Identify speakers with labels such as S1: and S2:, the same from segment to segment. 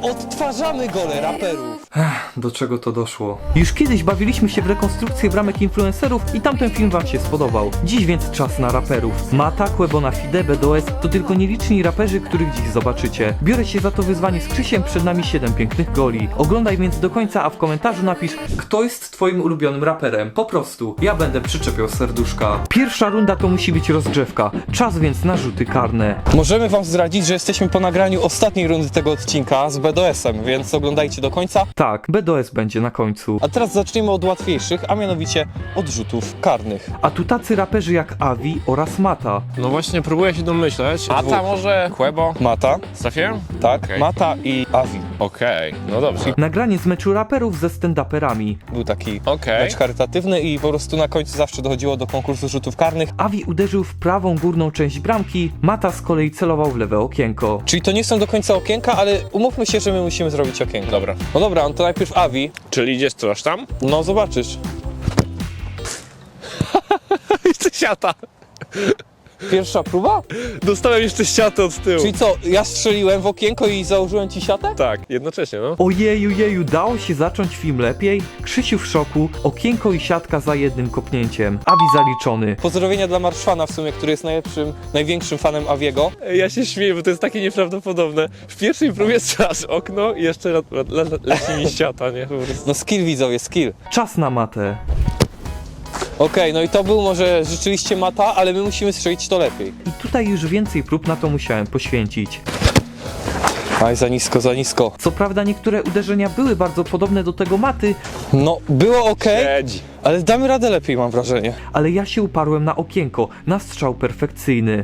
S1: Odtwarzamy gole raperów.
S2: Do czego to doszło? Już kiedyś bawiliśmy się w rekonstrukcję bramek influencerów i tamten film wam się spodobał. Dziś więc czas na raperów. Mata, Quebona Fide, BDOS to tylko nieliczni raperzy, których dziś zobaczycie. Biorę się za to wyzwanie z Krzysiem, przed nami 7 pięknych goli. Oglądaj więc do końca, a w komentarzu napisz, kto jest twoim ulubionym raperem. Po prostu, ja będę przyczepiał serduszka. Pierwsza runda to musi być rozgrzewka. Czas więc na rzuty karne.
S1: Możemy wam zdradzić, że jesteśmy po nagraniu ostatniej rundy tego odcinka z BDOS-em, więc oglądajcie do końca.
S2: Tak, BDOS będzie na końcu.
S1: A teraz zaczniemy od łatwiejszych, a mianowicie od rzutów karnych.
S2: A tu tacy raperzy jak Avi oraz Mata.
S3: No właśnie, próbuję się domyśleć. Mata może? Quebo?
S1: Mata,
S3: Trafiłem?
S1: tak,
S3: Okej.
S1: Mata i Avi.
S3: Okej, no dobrze.
S2: Nagranie z meczu raperów ze stand-uperami.
S1: Był taki
S3: Okej.
S1: mecz charytatywny i po prostu na końcu zawsze dochodziło do konkursu rzutów karnych.
S2: Avi uderzył w prawą górną część bramki, Mata z kolei celował w lewe okienko.
S1: Czyli to nie są do końca okienka, ale umówmy się, że my musimy zrobić okienko.
S3: Dobra.
S1: No dobra, on to najpierw Avi.
S3: Czyli idziesz coś tam?
S1: No zobaczysz.
S3: Jeszcze siata.
S1: Pierwsza próba?
S3: Dostałem jeszcze siatę od tyłu.
S1: Czyli co, ja strzeliłem w okienko i założyłem ci siatę?
S3: Tak, jednocześnie, no.
S2: Ojeju, dało się zacząć film lepiej? Krzysiu w szoku, okienko i siatka za jednym kopnięciem. Avi zaliczony.
S1: Pozdrowienia dla Marszwana w sumie, który jest największym fanem Aviego.
S3: Ja się śmieję, bo to jest takie nieprawdopodobne. W pierwszej próbie strzelasz okno i jeszcze leci mi siata, nie? Po prostu.
S1: No skill widzowie, skill.
S2: Czas na Matę.
S1: Okej, no i to był może rzeczywiście Mata, ale my musimy strzelić to lepiej.
S2: I tutaj już więcej prób na to musiałem poświęcić.
S1: Aj, za nisko, za nisko.
S2: Co prawda niektóre uderzenia były bardzo podobne do tego Maty,
S1: No, było okej,
S3: Siedzi.
S1: ale damy radę lepiej, mam wrażenie.
S2: ale ja się uparłem na okienko, na strzał perfekcyjny.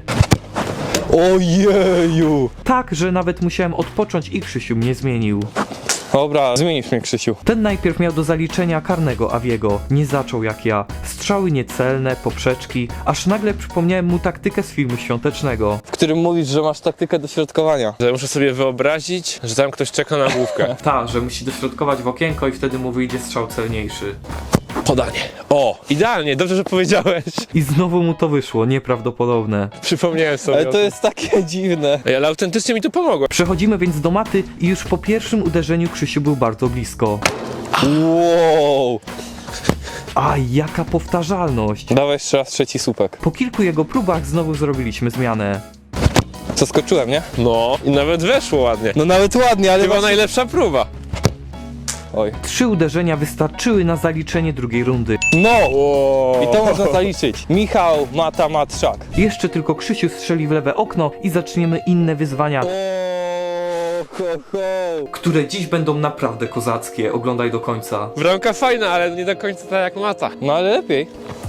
S1: Ojeju!
S2: Tak, że nawet musiałem odpocząć i Krzysiu mnie zmienił.
S1: Dobra, zmienisz mnie, Krzysiu.
S2: Ten najpierw miał do zaliczenia karnego Aviego. Nie zaczął jak ja. Strzały niecelne, poprzeczki, aż nagle przypomniałem mu taktykę z filmu świątecznego.
S1: W którym mówisz, że masz taktykę dośrodkowania.
S3: Że muszę sobie wyobrazić, że tam ktoś czeka na główkę.
S2: Ta, że musi dośrodkować w okienko i wtedy mu wyjdzie strzał celniejszy.
S3: Podanie. O, idealnie, dobrze, że powiedziałeś.
S2: I znowu mu to wyszło, nieprawdopodobne.
S3: Przypomniałem sobie.
S1: Ale
S3: o
S1: to
S3: tym.
S1: jest takie dziwne.
S3: Ej, ale autentycznie mi to pomogło.
S2: Przechodzimy więc do Maty i już po pierwszym uderzeniu Krzysiu był bardzo blisko.
S1: Wow!
S2: Aj, jaka powtarzalność.
S1: Dawaj jeszcze raz trzeci słupek.
S2: Po kilku jego próbach znowu zrobiliśmy zmianę.
S1: Zaskoczyłem, nie?
S3: No, i nawet weszło ładnie.
S1: No nawet ładnie, ale
S3: Chyba
S1: właśnie...
S3: najlepsza próba.
S1: Oj.
S2: 3 uderzenia wystarczyły na zaliczenie drugiej rundy.
S1: No!
S3: Wow.
S1: I to można zaliczyć. Michał, Mata, Matrzak.
S2: Jeszcze tylko Krzysiu strzeli w lewe okno i zaczniemy inne wyzwania,
S1: Ho, ho.
S2: które dziś będą naprawdę kozackie. Oglądaj do końca.
S3: Bramka fajna, ale nie do końca tak jak Mata.
S1: No ale lepiej.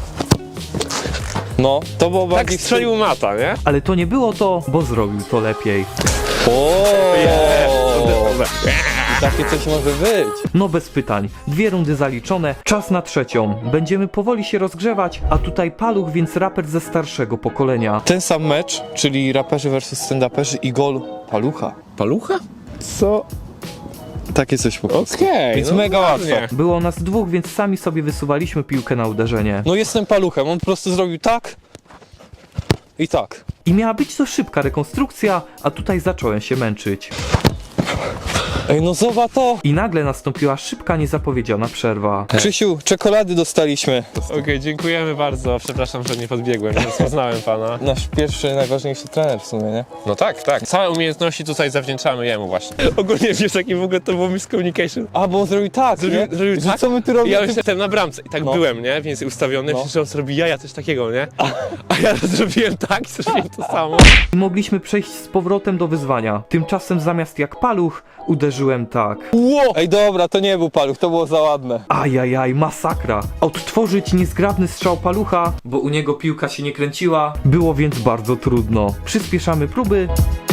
S1: No, to było
S3: Tak
S1: bardziej...
S3: strzelił Mata, nie?
S2: Ale to nie było to, bo zrobił to lepiej.
S1: O!
S3: Dobra.
S1: I takie coś może być.
S2: No bez pytań. 2 rundy zaliczone, czas na trzecią. Będziemy powoli się rozgrzewać, a tutaj Paluch, więc raper ze starszego pokolenia.
S1: Ten sam mecz, czyli raperzy versus stand-uperzy i gol Palucha.
S3: Palucha?
S1: Co? Takie coś po prostu.
S3: Okej,
S1: Więc
S3: no
S1: mega
S3: ładnie.
S1: łatwe.
S2: Było nas 2, więc sami sobie wysuwaliśmy piłkę na uderzenie.
S1: No jestem Paluchem, on po prostu zrobił tak i tak.
S2: I miała być to szybka rekonstrukcja, a tutaj zacząłem się męczyć.
S1: Ej, no zobacz to!
S2: I nagle nastąpiła szybka, niezapowiedziana przerwa.
S1: Krzysiu, czekolady dostaliśmy.
S3: Okej, dziękujemy bardzo. Przepraszam, że nie podbiegłem, nie rozpoznałem pana.
S1: Nasz pierwszy, najważniejszy trener w sumie, nie?
S3: No tak, tak. Całe umiejętności tutaj zawdzięczamy jemu właśnie. Ogólnie wiesz, jaki w ogóle to było miscommunication.
S1: A, bo on zrobił tak, nie?
S3: Zrobił
S1: Że
S3: tak?
S1: co my tu
S3: I
S1: robimy?
S3: ja już jestem na bramce i tak
S1: No.
S3: byłem, nie? Więc ustawiony,
S1: No.
S3: no. że on zrobi jaja, coś takiego, nie? A ja zrobiłem tak i zrobiłem to samo.
S2: I mogliśmy przejść z powrotem do wyzwania. Tymczasem zamiast jak Paluch, uderzyłem tak.
S1: Wow! Ej, dobra, to nie był Paluch, to było za ładne.
S2: Ajajaj, masakra. Odtworzyć niezgrabny strzał Palucha, bo u niego piłka się nie kręciła, było więc bardzo trudno. Przyspieszamy próby.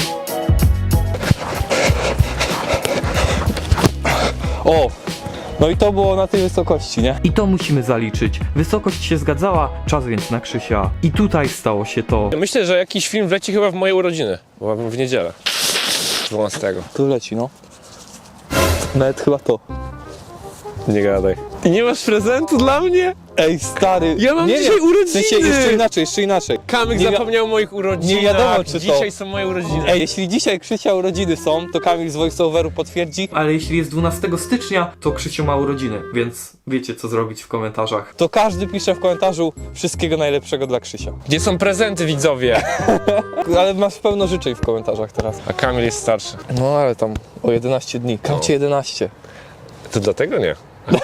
S1: O! No i to było na tej wysokości, nie?
S2: I to musimy zaliczyć. Wysokość się zgadzała, czas więc na Krzysia. I tutaj stało się to.
S3: Myślę, że jakiś film wleci chyba w moje urodziny, bo w niedzielę. 12.
S1: Tu leci, no. Nawet chyba to.
S3: Nie gadaj. I nie masz prezentu dla mnie?
S1: Ej, stary.
S3: Ja mam dzisiaj
S1: W
S3: urodziny!
S1: sensie, jeszcze inaczej.
S3: Kamyk
S1: Nie
S3: zapomniał o moich urodzinach.
S1: nie wiadomo, czy to-
S3: Dzisiaj są moje urodziny.
S1: Ej, jeśli dzisiaj Krzysia urodziny są, to Kamil z voiceoveru potwierdzi,
S2: Ale jeśli jest 12 stycznia, to Krzysiu ma urodziny, więc wiecie co zrobić w komentarzach.
S1: to każdy pisze w komentarzu wszystkiego najlepszego dla Krzysia.
S3: Gdzie są prezenty, widzowie?
S1: Ale masz pełno życzeń w komentarzach teraz.
S3: A Kamil jest starszy.
S1: No ale tam o 11 dni. Kamcie 11.
S3: To dlatego nie.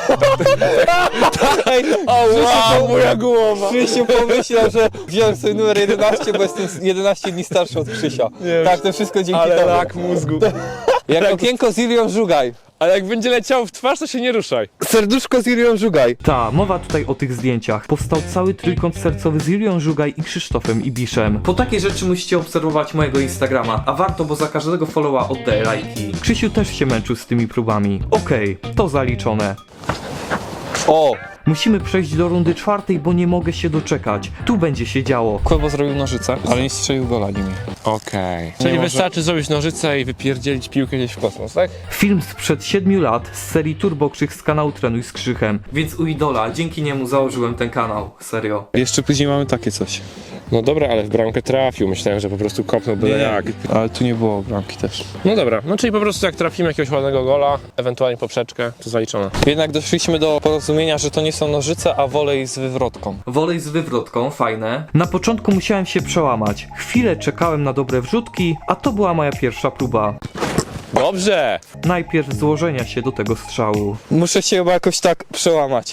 S1: Ej,
S3: wow, moja głowa.
S1: Krzysiu pomyślał, że wziąłem sobie numer 11, bo jestem 11 dni starszy od Krzysia.
S3: Nie,
S1: Tak, to wszystko dzięki
S3: Ale
S1: tobie.
S3: rak mózgu.
S1: Jak okienko z Ilią Żugaj.
S3: Ale jak będzie leciało w twarz, to się nie ruszaj.
S1: Serduszko z Ilią Żugaj.
S2: Ta, mowa tutaj o tych zdjęciach. Powstał cały trójkąt sercowy z Julią Żugaj i Krzysztofem Ibiszem. Po takie rzeczy musicie obserwować mojego Instagrama, a warto, bo za każdego followa oddaję lajki. Krzysiu też się męczył z tymi próbami. Okej, to zaliczone.
S1: O!
S2: Musimy przejść do rundy 4, bo nie mogę się doczekać. Tu będzie się działo.
S1: Kłebo zrobił nożyce, ale nie strzelił gola nimi.
S3: Okej. Czyli
S1: może-
S3: wystarczy zrobić nożyce i wypierdzielić piłkę gdzieś w kosmos, tak?
S2: Film sprzed 7 lat z serii Turbo Krzych z kanału Trenuj z Krzychem. Więc u idola, dzięki niemu założyłem ten kanał. Serio.
S1: Jeszcze później mamy takie coś.
S3: No dobra, ale w bramkę trafił. Myślałem, że po prostu kopnął byle jak.
S1: Ale tu nie było bramki też.
S3: No dobra, no czyli po prostu jak trafimy jakiegoś ładnego gola, ewentualnie poprzeczkę, to zaliczone.
S1: Jednak doszliśmy do porozumienia, że to nie są nożyce, a wolej z wywrotką.
S2: Wolej z wywrotką, fajne. Na początku musiałem się przełamać. Chwilę czekałem na dobre wrzutki, a to była moja pierwsza próba.
S3: Dobrze!
S2: Najpierw złożenia się do tego strzału.
S1: Muszę się chyba jakoś tak przełamać.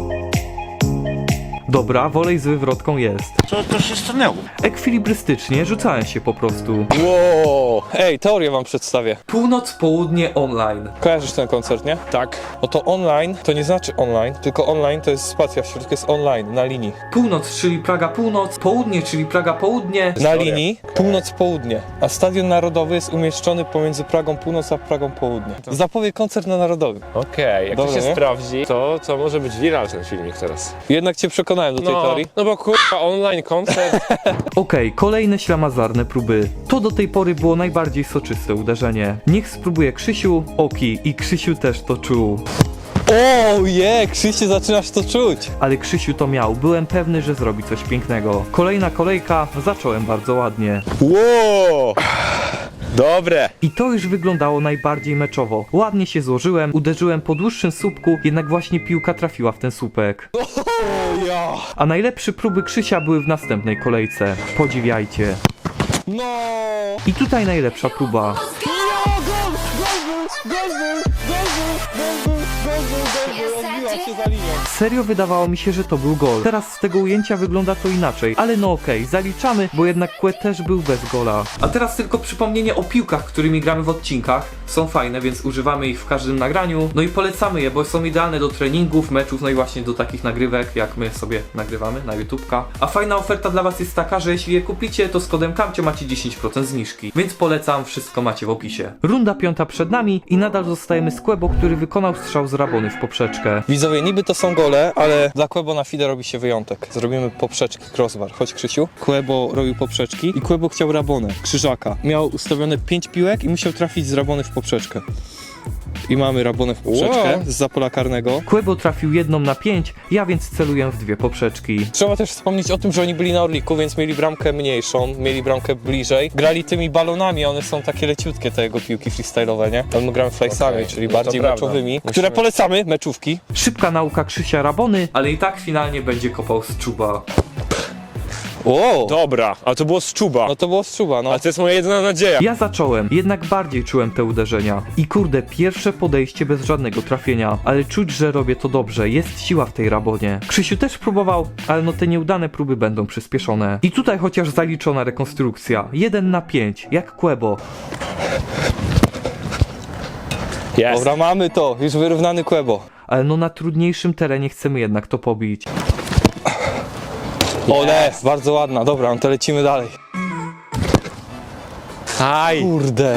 S2: Dobra, wolej z wywrotką jest.
S4: Co to się stanęło?
S2: Ekwilibrystycznie rzucałem się po prostu.
S1: Wow! Ej, teorię wam przedstawię.
S2: Północ, południe, online.
S1: Kojarzysz ten koncert, nie?
S3: Tak.
S1: No to online to nie znaczy online, tylko online to jest spacja w środku, jest online, na linii.
S2: Północ, czyli Praga północ, południe, czyli Praga południe.
S1: Na linii północ-południe, a Stadion Narodowy jest umieszczony pomiędzy Pragą Północ a Pragą Południe. Zapowie koncert na Narodowym.
S3: Okej, jak
S1: Dobra,
S3: to się
S1: nie?
S3: sprawdzi, to może być viral ten filmik teraz.
S1: Jednak cię przekonałem do tej teorii.
S3: No bo kurwa, online koncert.
S2: Okej, kolejne ślamazarne próby. To do tej pory było najbardziej soczyste uderzenie. Niech spróbuje Krzysiu, Oki i Krzysiu też to czuł.
S1: O je, Krzyście, zaczynasz to czuć.
S2: Ale Krzysiu to miał, byłem pewny, że zrobi coś pięknego. Kolejna kolejka, zacząłem bardzo ładnie.
S3: Wow! Dobre!
S2: I to już wyglądało najbardziej meczowo. Ładnie się złożyłem, uderzyłem po dłuższym słupku, jednak właśnie piłka trafiła w ten słupek.
S1: O ja.
S2: A najlepsze próby Krzysia były w następnej kolejce. Podziwiajcie.
S1: No.
S2: I tutaj najlepsza próba.
S1: Odbiła się za linią.
S2: Serio wydawało mi się, że to był gol. Teraz z tego ujęcia wygląda to inaczej. Ale no okej, zaliczamy, bo jednak Kłe też był bez gola. A teraz tylko przypomnienie o piłkach, którymi gramy w odcinkach. Są fajne, więc używamy ich w każdym nagraniu. No i polecamy je, bo są idealne do treningów, meczów, no i właśnie do takich nagrywek, jak my sobie nagrywamy na YouTubka. A fajna oferta dla was jest taka, że jeśli je kupicie, to z kodem KAMCIO macie 10% zniżki. Więc polecam, wszystko macie w opisie. Runda 5 przed nami i nadal zostajemy z Kłebo, który wykonał strzał z rabony w poprzeczkę.
S1: Widzowie, niby to są gole, ale dla Kłebo na FIDE robi się wyjątek. Zrobimy poprzeczki, crossbar. Chodź, Krzysiu. Kłebo robił poprzeczki i Kłebo chciał rabonę, krzyżaka. Miał ustawione 5 piłek i musiał trafić z rabony w poprzeczkę. I mamy rabonę w poprzeczkę
S3: Wow.
S1: z pola karnego.
S2: Kłebo trafił jedną na 5, ja więc celuję w 2 poprzeczki.
S1: Trzeba też wspomnieć o tym, że oni byli na Orliku, więc mieli bramkę mniejszą, mieli bramkę bliżej. Grali tymi balonami, one są takie leciutkie, te jego piłki freestyle'owe, nie? A my gramy fleksami,
S3: Okej,
S1: czyli
S3: no to
S1: bardziej
S3: prawda.
S1: meczowymi,
S3: Musimy-
S1: które polecamy, meczówki.
S2: Szybka nauka Krzysia Rabony, ale i tak finalnie będzie kopał z czuba.
S1: O!
S3: Dobra, a to było z czuba.
S1: No to było strzuba, no.
S3: Ale to jest moja jedyna nadzieja.
S2: Ja zacząłem, jednak bardziej czułem te uderzenia. I kurde, pierwsze podejście bez żadnego trafienia. Ale czuć, że robię to dobrze, jest siła w tej Rabonie. Krzysiu też próbował, ale no te nieudane próby będą przyspieszone. I tutaj chociaż zaliczona rekonstrukcja. 1 na 5, jak Kłebo.
S3: Jest.
S1: Dobra, mamy to, już wyrównany Kłebo.
S2: Ale no na trudniejszym terenie chcemy jednak to pobić.
S1: Ole, bardzo ładna, dobra, no to lecimy dalej.
S3: Aj!
S1: Kurde.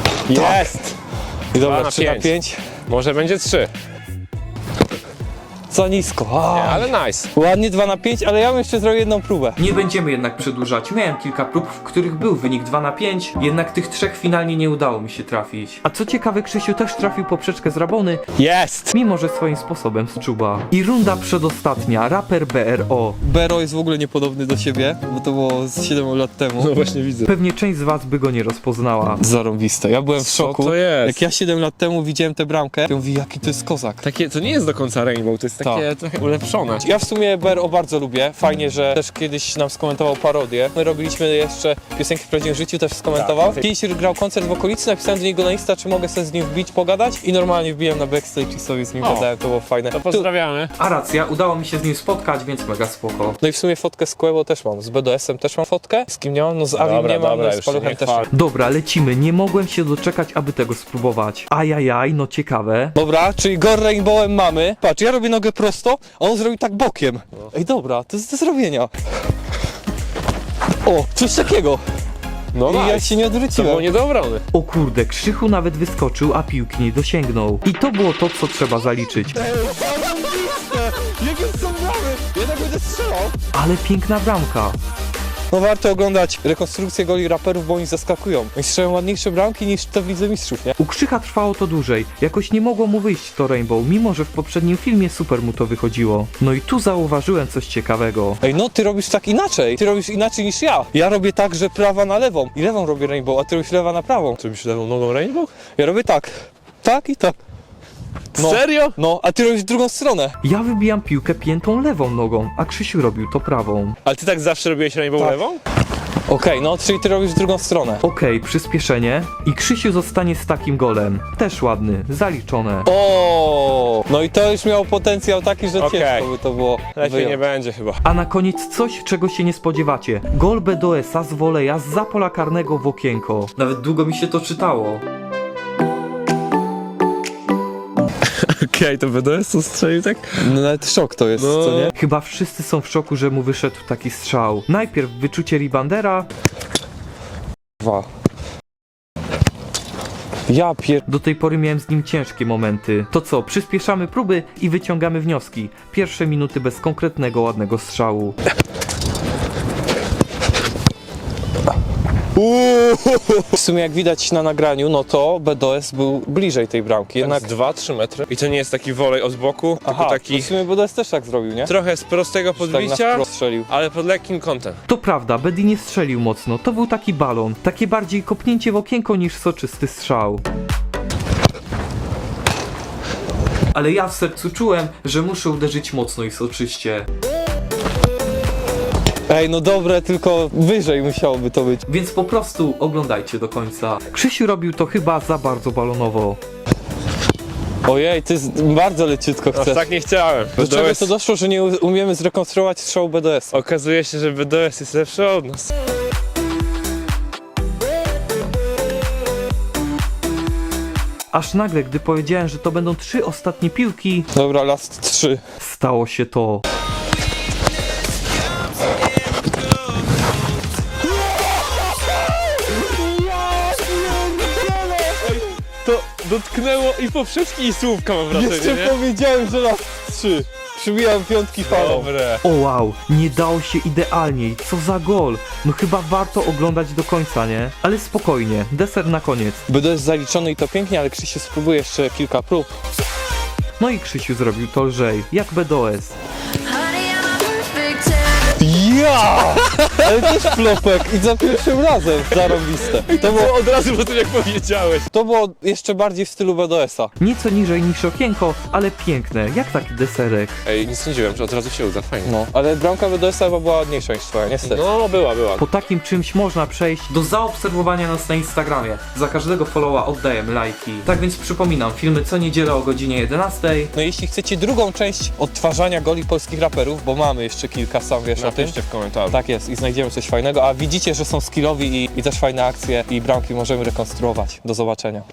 S3: Jest!
S1: I dobra,
S3: 2 na
S1: 3 na
S3: 5.
S1: 5.
S3: Może będzie 3.
S1: Za nisko.
S3: Nie, ale nice.
S1: Ładnie 2 na 5, ale ja bym jeszcze zrobił jedną próbę.
S2: Nie będziemy jednak przedłużać. Miałem kilka prób, w których był wynik 2 na 5, jednak tych 3 finalnie nie udało mi się trafić. A co ciekawe, Krzysiu też trafił poprzeczkę z Rabony,
S1: Jest!
S2: mimo że swoim sposobem z czuba. I runda przedostatnia, raper BRO.
S1: Bero jest w ogóle niepodobny do siebie, bo to było z 7 lat temu.
S3: No właśnie widzę.
S2: Pewnie część z was by go nie rozpoznała.
S1: Zarąbiste. Ja byłem w
S3: Co
S1: szoku.
S3: to jest?
S1: Jak ja 7 lat temu widziałem tę bramkę, to mówię, jaki to jest kozak.
S3: Takie, to nie jest do końca Rainbow, to jest takie trochę ulepszone.
S1: Ja w sumie BRO bardzo lubię. Fajnie, że też kiedyś nam skomentował parodię. My robiliśmy jeszcze piosenki w prawdziwym życiu, też skomentował.
S3: Tak.
S1: Kiedyś grał koncert w okolicy, napisałem do niego na Insta, czy mogę sobie z nim wbić, pogadać i normalnie wbiłem na backstage i sobie z nim
S3: O.
S1: gadałem, to było fajne.
S3: To pozdrawiamy.
S2: A racja, udało mi się z nim spotkać, więc mega spoko.
S1: No i w sumie fotkę z Quebo też mam, z BDS-em też mam fotkę, z kim nie mam, no z Avim nie mam, no z
S3: już
S1: Paluchem
S3: nie
S1: też.
S3: chwal.
S2: Dobra, lecimy, nie mogłem się doczekać, aby tego spróbować. Ajajaj, no ciekawe.
S1: Dobra, czyli Gore Rainbowem mamy. Patrz, ja robię nogę prosto, a on zrobił tak bokiem. Ej, dobra, to jest do zrobienia. O, coś takiego.
S3: No
S1: I ja
S3: nice.
S1: się nie
S3: To było
S1: odwróciłem.
S3: nie do obrony.
S2: O kurde, Krzychu nawet wyskoczył, a piłki nie dosięgnął. I to było to, co trzeba zaliczyć.
S1: Jakie są bramy? Jednak będę strzelał.
S2: Ale piękna bramka.
S1: No warto oglądać rekonstrukcję goli raperów, bo oni zaskakują. Oni strzelają ładniejsze bramki niż te w Lidze Mistrzów, nie?
S2: U Krzycha trwało to dłużej. Jakoś nie mogło mu wyjść to Rainbow, mimo że w poprzednim filmie super mu to wychodziło. No i tu zauważyłem coś ciekawego.
S1: Ej, no ty robisz tak inaczej. Ty robisz inaczej niż ja. Ja robię tak, że prawa na lewą. I lewą robię Rainbow, a ty robisz lewa na prawą.
S3: Czy byś lewą nogą Rainbow?
S1: Ja robię tak. Tak i tak. No.
S3: Serio?
S1: No, a ty robisz drugą stronę.
S2: Ja wybijam piłkę piętą lewą nogą, a Krzysiu robił to prawą.
S3: Ale ty tak zawsze robiłeś Rainbow
S1: Tak.
S3: lewą?
S1: Okej, no, czyli ty robisz drugą stronę.
S2: Okej, przyspieszenie i Krzysiu zostanie z takim golem. Też ładny, zaliczone.
S1: O, no i to już miało potencjał taki, że
S3: Okej.
S1: ciężko by to było
S3: Lepiej
S1: wyjąć.
S3: nie będzie chyba.
S2: A na koniec coś, czego się nie spodziewacie. Gol BDS-a z woleja zza pola karnego w okienko. Nawet długo mi się to czytało.
S3: Okej, to BDS to strzelił tak?
S1: No nawet szok to jest,
S3: No.
S1: co nie?
S2: Chyba wszyscy są w szoku, że mu wyszedł taki strzał. Najpierw wyczucie Ribandera,
S1: Dwa. Ja pier...
S2: do tej pory miałem z nim ciężkie momenty. To co, przyspieszamy próby i wyciągamy wnioski. Pierwsze minuty bez konkretnego, ładnego strzału.
S1: W sumie jak widać na nagraniu, no to BDS był bliżej tej bramki, jednak...
S3: Jednak 2-3 metry. I to nie jest taki wolej od boku,
S1: Aha,
S3: tylko taki
S1: w sumie BDS też tak zrobił, nie?
S3: trochę z prostego
S1: Tak na
S3: podbicia,
S1: wprost strzelił.
S3: ale pod lekkim kątem.
S2: To prawda, Bedi nie strzelił mocno, to był taki balon. Takie bardziej kopnięcie w okienko niż soczysty strzał. Ale ja w sercu czułem, że muszę uderzyć mocno i soczyście.
S1: Ej, no dobre, tylko wyżej musiałoby to być.
S2: Więc po prostu oglądajcie do końca. Krzysiu robił to chyba za bardzo balonowo.
S1: Ojej, ty bardzo leciutko
S3: Aż
S1: chcesz.
S3: tak nie chciałem.
S1: Do czego
S3: BDS
S1: to doszło, że nie umiemy zrekonstruować strzału BDS?
S3: Okazuje się, że BDS jest lepszy od nas.
S2: Aż nagle, gdy powiedziałem, że to będą 3 ostatnie piłki,
S1: Dobra, last 3.
S2: stało się to.
S3: To dotknęło i poprzeczki i słówka, mam wrażenie,
S1: Jeszcze
S3: nie?
S1: powiedziałem, że last 3. Przybijam piątki falą.
S3: Dobre.
S2: O wow, nie dało się idealniej, co za gol. No chyba warto oglądać do końca, nie? Ale spokojnie, deser na koniec.
S1: BDS zaliczony i to pięknie, ale Krzysiu spróbuje jeszcze kilka prób.
S2: No i Krzysiu zrobił to lżej, jak BDS.
S4: Honey, I'm a perfect 10.
S1: Ja! Ale też flopek i za pierwszym razem. Zarąbiste. To było,
S3: Od razu po tym jak powiedziałeś.
S1: to było jeszcze bardziej w stylu BDS-a.
S2: Nieco niżej niż okienko, ale piękne, jak taki deserek.
S3: Ej, nie sądziłem, że od razu się uda, fajnie.
S1: No, ale bramka BDS-a chyba była ładniejsza niż twoja, niestety.
S3: No, była.
S2: Po takim czymś można przejść do zaobserwowania nas na Instagramie. Za każdego followa oddajemy lajki. Tak więc przypominam, filmy co niedzielę o godzinie 11.
S1: No jeśli chcecie drugą część odtwarzania goli polskich raperów, bo mamy jeszcze kilka, sam wiesz o tym.
S3: Napiszcie w komentarzu.
S1: Tak jest i znajdziemy coś fajnego, a widzicie, że są skillowi i też fajne akcje i bramki możemy rekonstruować. Do zobaczenia.